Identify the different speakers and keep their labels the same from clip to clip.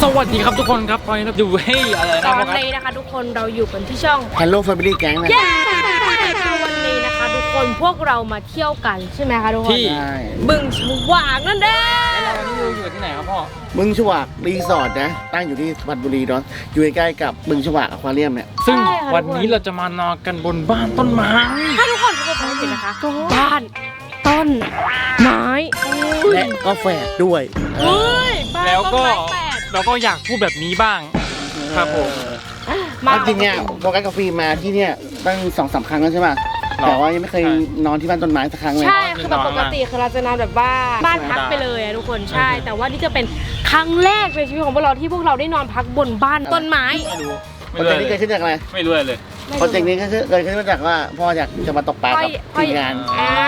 Speaker 1: วัสดีครับทุกคนครับตอนนี้เราอยู่ให้อะไรนะ
Speaker 2: ตอน
Speaker 1: ครับ
Speaker 2: นี้นะคะทุกคนเราอยู่กันที่ช่อง
Speaker 3: Hello Family Gang นะ
Speaker 2: เย้วันนี้นะคะทุกคนพวกเรามาเที่ยวกันใช่ไหมคะทุกคน
Speaker 1: ที่
Speaker 3: ใช่
Speaker 2: บึงฉวากนั่นเอง
Speaker 1: แล้ววันนี้เราอยู่ที่ไหนครับพ่อ
Speaker 3: บึงฉวากรีสอร์ทนะตั้งอยู่ที่สุพรรณบุรีเนาะอยู่ใกล้ๆกับบึงฉวากอควาเรียมเนี่ย
Speaker 1: ซึ่งวันนี้เราจะมานอนกันบนบ้านต้นไม้
Speaker 2: ถ้าทุกคนฟังผิดนะคะบ้านต้นไม้
Speaker 3: และก็แฝดด้วย
Speaker 2: เฮ้ยบ้าน
Speaker 1: แล้วก็
Speaker 2: ต้นไม้แปด
Speaker 1: เราก็อยากพูดแบบนี้บ้างครับผม
Speaker 2: มา
Speaker 3: จริงเนี่ยโฟกัสกับฟิล์มมาที่เนี่ยตั้ง2-3 ครั้งแล้วใช่ป่ะแต่ว่ายังไม่เคยนอนที่บ้านต้นไม้สักครั้งเลย
Speaker 2: ใช่คือแบบปกติคือเราจะนอนแบบว่าบ้านพักไปเลยอะทุกคนใช่ แต่ว่านี่จะเป็นครั้งแรกในชีวิตของพวกเราที่พวกเราได้นอนพักบนบ้านต้นไม้
Speaker 1: ไม่รู้
Speaker 3: โปรเจกต์นี้เกิดขึ้นจากอะไร
Speaker 1: ไม่รู้เลย
Speaker 3: โปรเจกต์นี้ก็คือเกิดขึ้นมาจากว่าพ่ออยากจะมาตกปลากับทีมงาน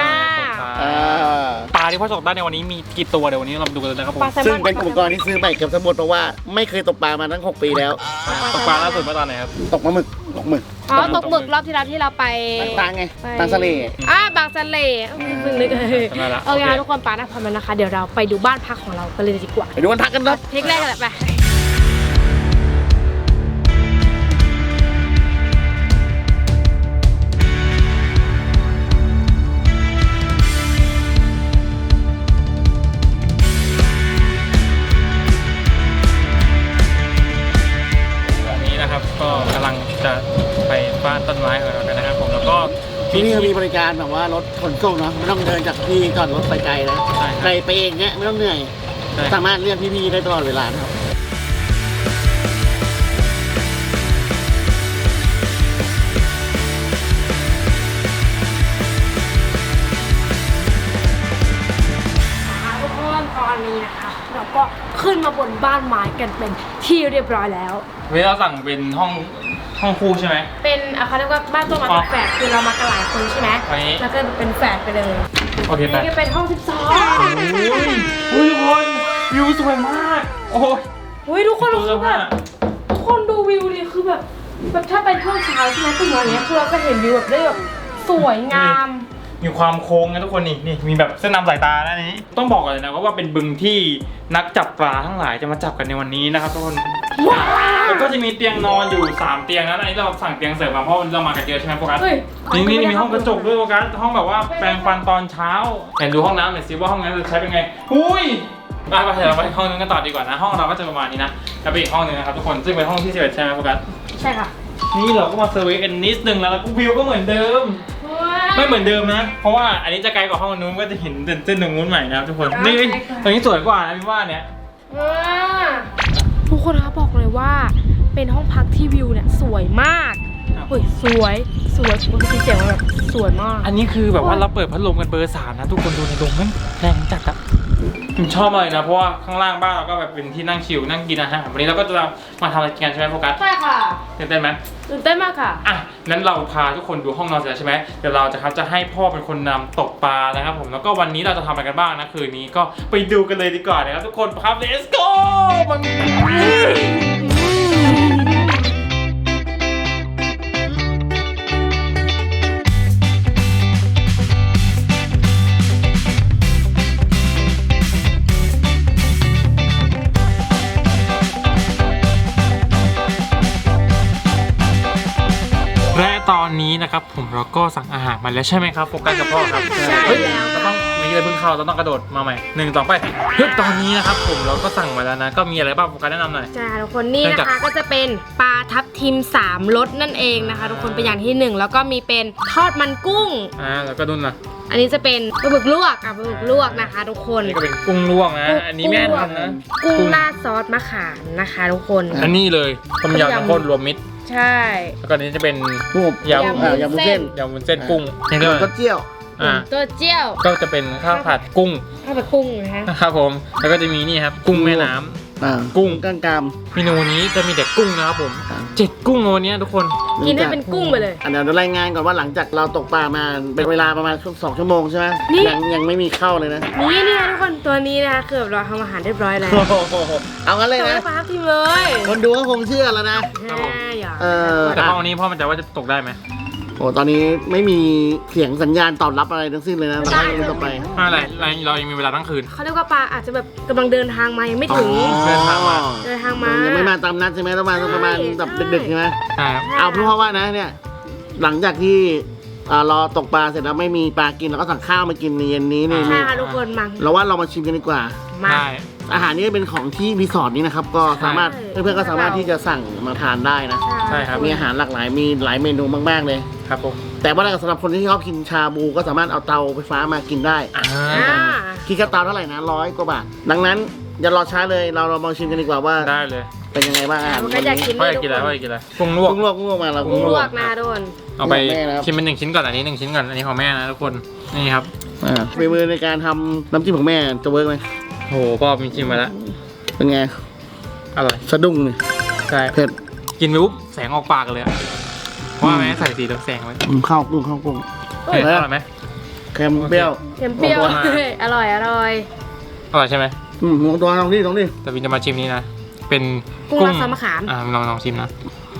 Speaker 1: ปลาที่พ่อตกได้ในวันนี้มีกี่ตัวเดี๋ยววันนี้เรามาดูกันเลยนะครับผม
Speaker 2: ปลาแซลม
Speaker 3: ซึ่ง
Speaker 2: อน
Speaker 3: เป็นอุปกรณ์ที่ซื้อใหม่เกือบทั้งหมดเพราะว่าไม่เคยตกปลามาตั้ง6 ปีแล้ว
Speaker 1: ตกปลาล่าสุดเมื่อตอนไหนครับ
Speaker 3: ตกปลาหมึกตกหมึก
Speaker 2: อ๋อตกหมึกรอบที่แล้วที่เราไป
Speaker 3: ตังไงตังทะเล
Speaker 2: บางสะเลเพิ่งนึกโอเคทุกคนปานะพร้อมแล้วนะคะเดี๋ยวเราไปดูบ้านพักของเรากันเลยดีกว่า
Speaker 3: ไปดูวันพักกันครับ
Speaker 2: เทคแรกกันแหละไป
Speaker 1: วันนี้นะครับก็กำลังจะไปบ้านต้นไม้ของเรากันนะครับผมแล้วก็
Speaker 3: ที่นี่เขามีบริการแบบว่ารถขนส่งเนาะไม่ต้องเดินจากที่จอดรถไปไกลนะ
Speaker 1: ใช่ครับ
Speaker 3: ไกลไปเองเนี้ยไม่ต้องเหนื่อย
Speaker 1: ใช่
Speaker 3: สามารถเรียกพี่ๆได้ตลอดเวลานะครับ
Speaker 2: ทุกคนตอนนี้นะคะเราก็ขึ้นมาบนบ้านไม้กันเป็นที่เรียบร้อยแล้ว
Speaker 1: วันนี้เราสั่งเป็นห้องคู่ใช่ไหม
Speaker 2: เป็นเขาเรียกว่าบ้านต้นไม้แฝดคือเรามากันหลายคนใช่ไหม
Speaker 1: วันนี้
Speaker 2: แล้วก็เป็นแฝดไปเลย
Speaker 1: โอเคไป
Speaker 2: นี่ก็เป็นห้อง
Speaker 1: อุ้ยทุกคนวิวสวยมาก โอ้ย
Speaker 2: 12อุ้ยทุกคนคือแบบทุกคนดูวิวดิคือแบบถ้าเป็นช่วงเช้าใช่ไหมตื่นมาอย่างเงี้ยคือเราจะเห็นวิวแบบได้แบบสวยงาม
Speaker 1: มีความโค้งนะทุกคนนี่มีแบบเส้นนำสายตานะนี้ต้องบอกก่อนเลยนะว่าเป็นบึงที่นักจับปลาทั้งหลายจะมาจับกันในวันนี้นะครับทุกคนแล้วก็จะมีเตียงนอนอยู่3เตียงนะอันนี้เราสั่งเตียงเสริมมาเพราะเรามากันเยอะใช่ไหมโฟกัส
Speaker 2: เฮ้ย
Speaker 1: นี่มีห้องกระจกด้วยโฟกัสห้องแบบว่าแปรงฟันตอนเช้าเห็นดูห้องน้ำหน่อยสิว่าห้องน้ำจะใช้เป็นไงหุ้ยไปเดี๋ยวเราไปห้องนึงกันต่อดีกว่านะห้องเราก็จะประมาณนี้นะแล้วไปอีกห้องนึงนะครับทุกคนซึ่งเป็นห้องที่11ใช่ไหมโฟกัส
Speaker 2: ใช่ค่ะ
Speaker 1: นี่เราก็มาเซอร์เวย์กันนิดนึงแล้วก็วิวก็เหมือนเดิม ไม่เหมือนเดิมนะ เพราะว่าอันนี้จะไกลกว่าห้องนู้นก็จะเห็นเส้นตรงนู้นใหม่นะครับทุกคน นี่ตรงนี้สวยกว่านะพี่ว่าเนี่ย
Speaker 2: ทุกคนคะบอกเลยว่าเป็นห้องพักที่วิวเนี่ยสวยมากเฮ้ยสวยปกติเสียงมันแบบสวยมาก
Speaker 1: อันนี้คือแบบว่าเราเปิดพัดลมกันเบอร์3นะทุกคนดูในลมมันแรงจัดอะผมชอบเลยนะเพราะว่าข้างล่างบ้านเราก็แบบเป็นที่นั่งชิลนั่งกินอาหารวันนี้เราก็จะมาทำอะไรกันใช่ไหมโฟกัส
Speaker 2: ใช่ค่ะ
Speaker 1: ตื่นเต้นไหม
Speaker 2: ตื่นเต้นมากค่ะ
Speaker 1: อ่ะนั้นเราพาทุกคนดูห้องนอนเสร็จแล้วใช่ไหมเดี๋ยวเราจะให้พ่อเป็นคนนำตกปลานะครับผมแล้วก็วันนี้เราจะทำอะไรกันบ้างนะคืนนี้ก็ไปดูกันเลยดีกว่านะครับทุกคนครับ let's go และตอนนี้นะครับผมเราก็สั่งอาหารมาแล้วใช่ไหมครับโฟกัสกับพ่อครับ
Speaker 2: ใช่
Speaker 1: เฮ้ย
Speaker 2: แล้ว
Speaker 1: เราต้องมีอะไรเพิ่งเข้าเราต้องกระโดดมาใหม่1 2ไปเฮ้ยตอนนี้นะครับผมเราก็สั่งมาแล้วนะก็มีอะไรบ้างโฟกัสแนะนำหน่อย
Speaker 2: ใช่ทุกคนนี่นะคะก็จะเป็นปลาทับทิม3รสนั่นเองนะคะทุกคนเป็นอย่างที่1แล้วก็มีเป็นทอดมันกุ้ง
Speaker 1: แล้วก็ดุนนะ
Speaker 2: อันนี้จะเป็นปลาบึกลวกปลาบึกลวกนะคะทุกคน
Speaker 1: นี่ก็เป็นกุ้งลวกนะอันนี้แม่ทำนะ
Speaker 2: กุ้งราดซอสมะขามนะคะทุกคน
Speaker 1: อันนี้เลยต้มยำน้ำข้นรวมมิตร
Speaker 2: ใช่
Speaker 1: แล้วก็อันนี้จะเป็น
Speaker 3: รูป
Speaker 1: ยำ
Speaker 3: ยำวุ้นเส้น
Speaker 1: ยำวุ้นเส้นกุ้ง
Speaker 3: นี่ก็เจียว
Speaker 2: ตัวเจี้ยว
Speaker 1: ก็จะเป็นข้าวผัดกุ้ง
Speaker 2: ข้าวผัดกุ้งนะคะ
Speaker 1: ครับผมแล้วก็จะมีนี่ครับกุ้งแม่น้ำ กุ้ง
Speaker 3: ก้างกาม
Speaker 1: เมนูนี้จะมีแต่กุ้งนะครับผม7กุ้งวันนี้ทุกคน
Speaker 2: กินให้เป็นกุ้งไปเลย
Speaker 3: เดี๋ยวรายงานก่อนว่าหลังจากเราตกปลามาเป็นเวลาประมาณ2 ชั่วโมงใช่ไหม
Speaker 2: นี่
Speaker 3: ยังไม่มีเข้าเลยนะ
Speaker 2: นี่นะทุกคนตัวนี้นะคะคือแบบเราทำอาหารเรียบร้อยแล้ว
Speaker 3: เอางั้นเลย
Speaker 2: ตัว
Speaker 3: นะ
Speaker 2: ให้ปลาทับทิมเลย
Speaker 3: คนดูก็คงเชื่อแล้วนะ
Speaker 2: อย่า
Speaker 3: เออ
Speaker 1: แต่ห้องนี้พ่อมันจะว่าจะตกได้ไหม
Speaker 3: โอ้ตอนนี้ไม่มีเสียงสัญญาณตอบรับอะไรทั้งสิ้นเลยนะเราให้ต่อไป
Speaker 1: อะไรเรายังมีเวลาทั้งคืน
Speaker 2: เขาเรียกว่าปลาอาจจะแบบกำลังเดินทางมายังไม่ถึง
Speaker 1: เดินทางมา
Speaker 2: เดินทางมา
Speaker 3: ยังไม่มาตามนัดใช่ไหมต้องมาประมาณแบบดึกๆใช่ไหม
Speaker 1: ใช่ครับ
Speaker 3: เอาเพราะว่านะเนี่ยหลังจากที่รอตกปลาเสร็จแล้วไม่มีปลากินเราก็สั่งข้าวมากินในเย็นนี้นี่
Speaker 2: ใช่ค่ะทุกคนมา
Speaker 3: เราว่าเรามาชิมกันดีกว่า
Speaker 2: มา
Speaker 1: ได้
Speaker 3: อาหารนี้เป็นของที่รีสอร์ทนี้นะครับก็สามารถ
Speaker 2: ใช่
Speaker 3: เพื่อนๆก็สามารถที่จะสั่งมาทานได้นะ
Speaker 1: ใช่ครับ
Speaker 3: มีอาหารหลากหลายมีหลายเมนูมากๆเลย
Speaker 1: ครับผม
Speaker 3: แต่ว่าสำหรับคนที่ชอบกินชาบูก็สามารถเอาเตาไฟฟ้ามากินได้
Speaker 1: อ่า
Speaker 2: อ่า
Speaker 3: คิดค่าเตาเท่าไหร่นะ100 กว่าบาทดังนั้นอย่ารอช้าเลยเรามาชิมกันดีกว่าว่า
Speaker 1: ได้เลย
Speaker 3: เป็นยังไงบ้างอาหาร
Speaker 2: มันก็อยากกิน
Speaker 1: พ่อ
Speaker 2: ด้
Speaker 1: อ
Speaker 2: วย
Speaker 1: ยากกินอะไร
Speaker 2: ทุ
Speaker 1: พ่ออยากกินอะไรกุ้งลวก
Speaker 3: กุ้งลวกมาเรา
Speaker 2: กุ้งลวกนะโดน
Speaker 1: เอาไป
Speaker 3: แม่นะครับ
Speaker 1: ชิมเป็น1 ชิ้นก่อนอันนี้1 ชิ้นก่อนอันนี้ของแม่นะทุกคนนี่ครับ
Speaker 3: ฝีมือในการทำน้ำจิ้มของแม่จะเวิร์กไหม
Speaker 1: โหพ่อมีชิมมาแล้ว
Speaker 3: เป็นไง
Speaker 1: อร่อย
Speaker 3: สะดุ้งเลย
Speaker 1: ใช่
Speaker 3: เผ็ด
Speaker 1: กินไปปุ๊บแสงออกปากเลยอะว่าแม่ใส่สีเหลืองแสงไว้
Speaker 3: ข้าวกุ้ง
Speaker 1: เผ็ดอร่อยไหม
Speaker 3: เค็มเปรี้ยว
Speaker 2: เค็มเปรี้ยว
Speaker 1: โอ้โห
Speaker 2: อร่อยอร่อย
Speaker 1: อร่อยใช่ไหม
Speaker 3: ลองตัวลองดิ
Speaker 1: แต่วินจะมาชิมนี้นะเป็น
Speaker 2: กุ้งราดซอสมะขาม
Speaker 1: ลองชิมนะ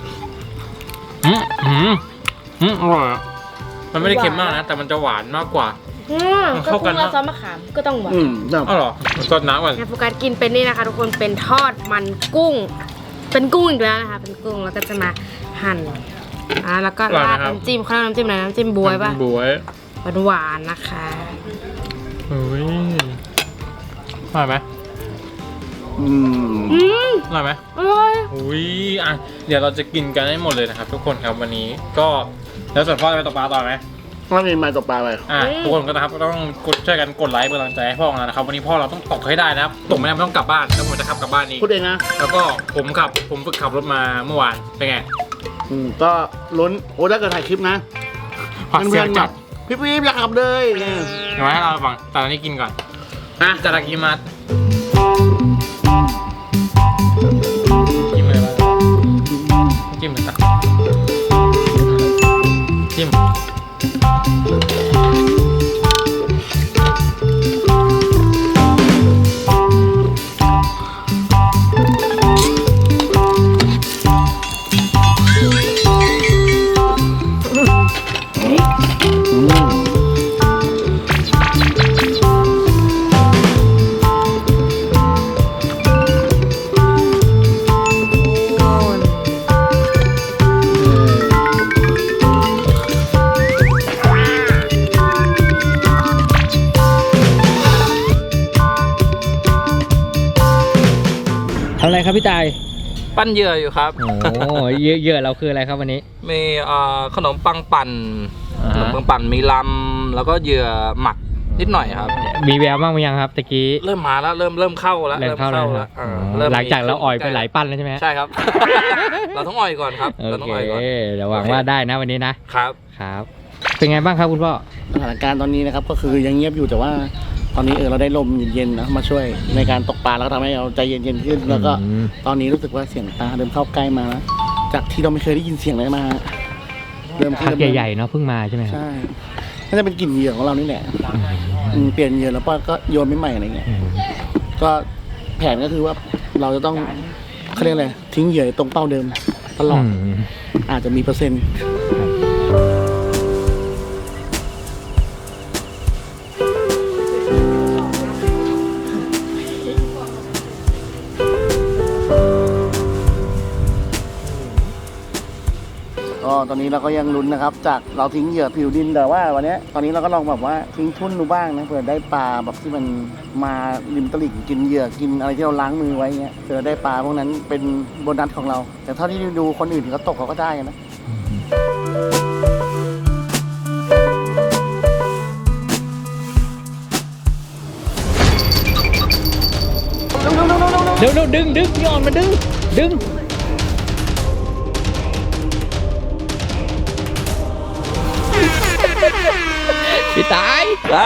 Speaker 1: อร่อยอะมันไม่ได้เค็มมากนะแต่มันจะหวานมากกว่า มันเข้ากัน
Speaker 2: กุ้ง
Speaker 1: นะ
Speaker 2: ราดซอสมะขามก็ต้องหวาน
Speaker 3: แบบ
Speaker 1: อ๋อเหรอซดน้ำก่อน
Speaker 2: งานโฟกัสกินเป็นนี่นะคะทุกคนเป็นทอดมันกุ้ง เป็นกุ้งอีกแล้วนะคะเป็นกุ้งแล้วก็จะมาหั่นแล้วก็ราดน้ำจิ้มเขาเรียกน้ำจิ้มอะไรน้ำจิ้มบวยป่ะ
Speaker 1: บวย
Speaker 2: หวานๆนะคะ
Speaker 1: เฮ้ยอร่อยไหม
Speaker 2: อืม
Speaker 1: อร่อยไหม
Speaker 2: อร่อย
Speaker 1: อุ้ยเดี๋ยวเราจะกินกันให้หมดเลยนะครับทุกคนครับวันนี้ก็แล้วส่วนพ่อจะไปตกปลาต่อไหม
Speaker 3: ว่ามีมาตกปลาไป
Speaker 1: ทุกคนก็นะครับต้องช่วยกันกดไลค์เป็นกำลังใจให้พ่อของเรานะครับวันนี้พ่อเราต้องตกให้ได้นะครับตกไม่ได้ไม่ต้องกลับบ้านแล้วผมจะขับกลับบ้านเอง
Speaker 3: พูดเองนะ
Speaker 1: แล้วก็ผมฝึกขับรถมาเมื่อวานเป็นไง
Speaker 3: ก็ลุ้นโอ้ถ้าเกิดถ่ายคลิปนะ
Speaker 1: หวาดเสียวจัด
Speaker 3: พี่อยากขับเลยเนี่ย
Speaker 1: เดี๋ยวให้เราฟังแต่ตอนนี้กินก่อนจารากิมัสจิ้มเลยว่าจิ้มเลยตักจิ้ม
Speaker 4: ทำอะไรครับพี่ตาย
Speaker 5: ปั้นเหยื่ออยู่ครับ
Speaker 4: โอ้เยอะเราคืออะไรครับวันนี้
Speaker 5: มีขนมปังปั่น ขนมปังปั่นมีลำแล้วก็เหยื่อหมักนิดหน่อยครับ
Speaker 4: มีแววบ้างไหมยังครับตะกี้
Speaker 5: เริ่มมาแล้วเริ่มเข้าแล้ว
Speaker 4: เริ่มเข้าแล้วครับ
Speaker 5: เริ่ม
Speaker 4: หลังจากเราอ่อยไปหลายปั้นแล้วใช่ไหม
Speaker 5: ใช่ครับ เราต้องอ่อยก่อนครับ
Speaker 4: โอ
Speaker 5: เราต้อง
Speaker 4: เค
Speaker 5: อ่อยก่อน
Speaker 4: เดี๋ยวหวังว่าได้นะวันนี้นะครับ ครับ เป็นไงบ้างครับคุณพ่อ
Speaker 3: สถานการณ์ตอนนี้นะครับก็คือยังเงียบอยู่แต่ว่า ตอนนี้เราได้ลมเย็นๆนะมาช่วยในการตกปลาแล้วก็ทำให้เราใจเย็นๆขึ้นแล้วก็ตอนนี้รู้สึกว่าเสียงปลาเริ่มเข้าใกล้มาแล้วจากที่เราไม่เคยได้ยินเสียงเลยมาเริ่ม
Speaker 4: พักใหญ่ๆเนาะเพิ่งมาใช่ไหมครับ
Speaker 3: ใช่น่าจะเป็นกลิ่นเหยื่อของเรานี่แหละเปลี่ยนเหยื่อแล้วก็โยนไม่ใหม่อะไรเงี้ย ก็แผนก็คือว่าเราจะต้องเขาเรียกอะไรทิ้งเหยื่อตรงเป้าเดิมตลอดอาจจะมีเปอร์เซ็นต์ ก็ตอนนี้เราก็ยังลุ้นนะครับ จากเราทิ้งเหยื่อผิวดินแต่ว่าวันนี้ตอนนี้เราก็ลองแบบว่าทิ้งทุ่นดูบ้างนะเผื่อได้ปลาแบบที่มันมาริมตลิ่งกินเหยื่อกินอะไรที่เราล้างมือไว้เงี้ยเผื่อได้ปลาพวกนั้นเป็นโบนัสของเรา แต่เท่าที่ดูคนอื่นเขาตกเขาก็ได้นะ
Speaker 4: เร็วดึงพี่ออนมาดึงพี่ตาย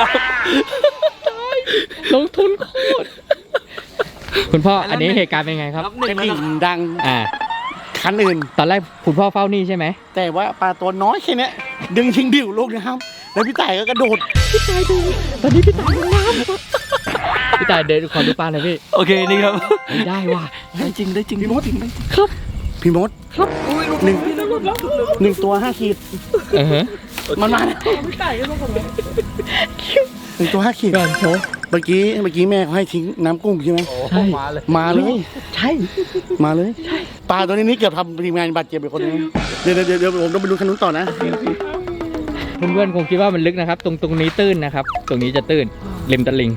Speaker 4: ลงทุนโคตรคุณพ่ออันนี้เหตุการณ์เป็นไงครับ
Speaker 3: กระดิ่งดัง คันอื่น
Speaker 4: ตอนแรกคุณพ่อเฝ้านี่ใช่ไหม
Speaker 3: แต่ว่าปลาตัวน้อยแค่เนี้ยดึงทิ้งดิ่วลูกนะครับ แล้วพี่ต่ายก็กระโดด
Speaker 4: ตอนนี้พี่ตายลงน้ำพี่ตายเดินขอดูปลาหน่อยพี่
Speaker 5: โอเคนี่ครับ
Speaker 4: ได้ว่ะ
Speaker 3: ได้จริงพี่มดครับพี่มดครับหนึ่ง 1 ตัว 5 ขีด มันมาแล้ว1 ตัว 5 ขีด
Speaker 4: ก่อนโชว์
Speaker 3: เมื่อกี้แม่เขาให้ทิ้งน้ำกุ้งใช่ไหม
Speaker 5: โอ้มาเลย
Speaker 3: มาเลย
Speaker 4: ใช่
Speaker 3: มาเลยปลาตัวนี้เกือบทำทีมงานบาดเจ็บไปคนนึงเดี๋ยวผมต้องไปดูคันนู้นต่อนะ
Speaker 4: เพื่อนๆคงคิดว่ามันลึกนะครับ ตรงนี้ตื้นนะครับ ตรงนี้จะตื้นริมตลิ่ง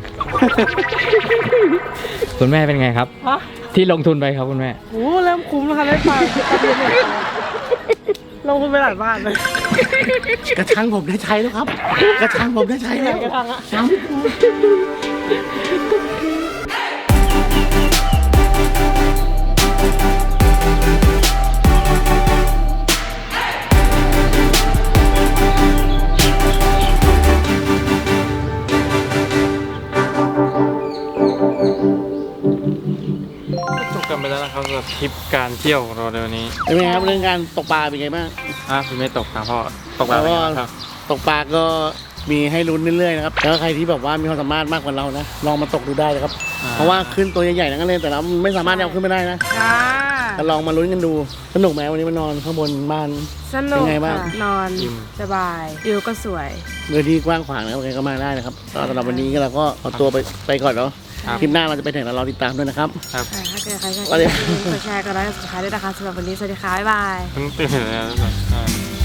Speaker 4: คุณแม่เป็นไงครับ ที่ลงทุนไปครับคุณแม่
Speaker 2: โอ้เริ่มคุ้มแล้วค่ะได้ปลาตะเพียนหมดลงทุนไปหลายบาทเลย
Speaker 3: กระชังผมได้ใช้แล้วครับ กระชังผมได้ใช้แล้ว
Speaker 2: กระชังอะ
Speaker 1: จบกันไปแล้วนะครับสำหรับทริปการเที่ยวของเราในวันนี้
Speaker 3: เป็นไงครับเรื่องการตกปลาเป็นไงบ้าง
Speaker 1: คุณไม่ตกครับพ่อตกปลาเป็นไงบ้างครับ
Speaker 3: ตกปลาก็มีให้ลุ้นเรื่อยๆนะครับแล้วใครที่แบบว่ามีความสามารถมากกว่าเรานะลองมาตกดูได้เลยครับ เพราะว่าขึ้นตัวใหญ่ๆนั่นเลยแต่เราไม่สามารถเอาขึ้นไม่ได้นะ
Speaker 2: ค่ะ
Speaker 3: ก็ลองมาลุ้นกันดูสนุกไหมวันนี้มานอนข้างบนบ้าน
Speaker 2: สนุก
Speaker 3: เป็นไงบ้าง
Speaker 2: ค่ะนอนสบายวิวก็สวย
Speaker 3: เรือที่กว้างขวางนะครับใครก็มาได้นะครับก็สำหรับวันนี้ก็เราก็เอาตัวไปก่อนเนาะ
Speaker 1: ครับ
Speaker 3: คลิปหน้าเราจะไปถึงแล้วรอติดตามด้วยนะครับ
Speaker 1: ครับ
Speaker 2: ถ้าเกิดใครชอบ
Speaker 3: สวัสดี
Speaker 2: กดแชร์กันไลค์กดซับสไครต์ด้วยนะคะสำหรับวันนี้สวัสดีค่ะบ๊ายบาย
Speaker 1: เพิ่งตื่นเลยนะ